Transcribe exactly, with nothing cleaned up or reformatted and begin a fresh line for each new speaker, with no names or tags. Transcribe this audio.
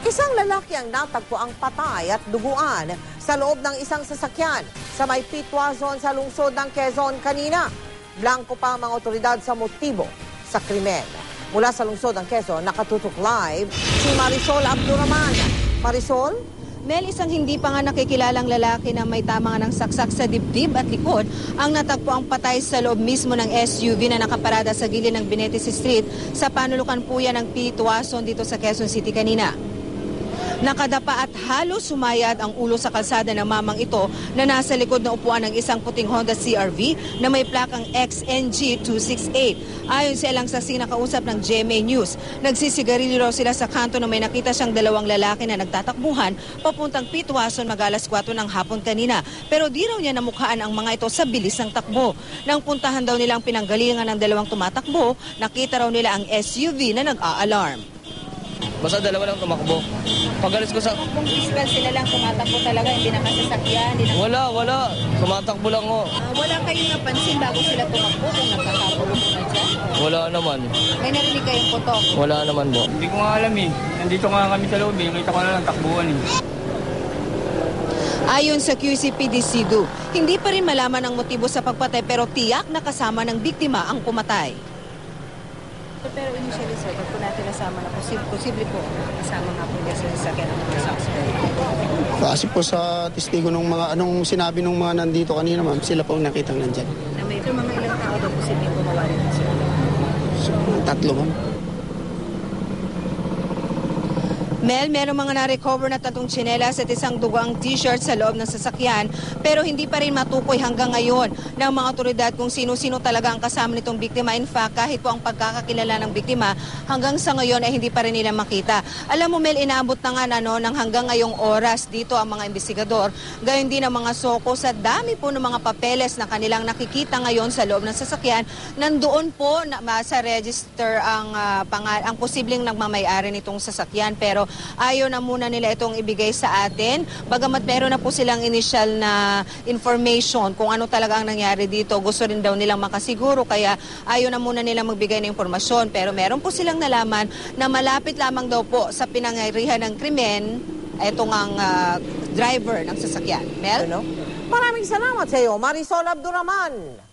Isang lalaki ang natagpo ang patay at duguan sa loob ng isang sasakyan sa may Pitwazon sa lungsod ng Quezon kanina. Blanco pa ang mga otoridad sa motibo sa krimen. Mula sa lungsod ng Quezon, nakatutok live si Marisol Abduraman. Marisol?
Mel, isang hindi pa nga nakikilalang lalaki na may tama nga ng saksak sa dibdib at likod ang natagpo ang patay sa loob mismo ng S U V na nakaparada sa gilid ng Benetis Street sa panulukan po yan ng Pitwazon dito sa Quezon City kanina. Nakadapa at halos sumayad ang ulo sa kalsada ng mamang ito na nasa likod na upuan ng isang puting Honda C R V na may plakang X N G two six eight. Ayon sa ilang saksi na kausap ng G M A News, nagsisigarilyo raw sila sa kanto na may nakita siyang dalawang lalaki na nagtatakbuhan papuntang Pitwazon mag-alas kwatro ng hapon kanina. Pero di raw niya namukhaan ang mga ito sa bilis ng takbo. Nang puntahan daw nilang pinanggalingan ng dalawang tumatakbo, nakita raw nila ang S U V na nag-a-alarm.
Basta dalawa lang tumakbo. Pagalis ko sa...
Kung physical sila lang tumatakbo talaga, hindi na masasakyan, hindi na...
Wala, wala. Tumatakbo lang ko.
Uh, wala kayong napansin bago sila tumakbo kung nagkakagulo mo na dyan?
Wala naman.
May narinig kayong putok?
Wala naman po.
Hindi ko nga alam eh. Nandito nga kami sa loob eh. Kita ko na lang takbuhan eh.
Ayon sa Q C P D Cebu, hindi pa rin malaman ang motibo sa pagpatay pero tiyak na kasama ng biktima ang pumatay. Pero initially sir, pag po natin nasama na posible, posible po kasama nga po niya sa sasakyan ng mga suspect.
Kasi po sa testigo ng mga anong sinabi ng mga nandito kanina ma'am, sila po ang nakitang nandyan.
Na may mga ilang tao daw posible gumawa rin sila.
So, tatlo ma'am.
Mel, meron mga na-recover na tatlong tsinelas at isang dugang t-shirt sa loob ng sasakyan pero hindi pa rin matukoy hanggang ngayon ng mga otoridad kung sino-sino talaga ang kasama nitong biktima. In fact, kahit po ang pagkakakilala ng biktima, hanggang sa ngayon ay hindi pa rin nila makita. Alam mo Mel, inaabot na nga ano, ng hanggang ngayong oras dito ang mga investigador. Gayon din ang mga soko sa dami po ng mga papeles na kanilang nakikita ngayon sa loob ng sasakyan. Nandoon po na, sa register ang, uh, pangal ang posibleng nagmamayari nitong sasakyan pero ayaw na muna nila itong ibigay sa atin. Bagamat meron na po silang initial na information kung ano talaga ang nangyari dito. Gusto rin daw nilang makasiguro kaya ayaw na muna nilang magbigay ng impormasyon. Pero meron po silang nalaman na malapit lamang daw po sa pinangyarihan ng krimen itong ang uh, driver ng sasakyan. Mel?
Maraming salamat sa iyo, Marisol Abduraman.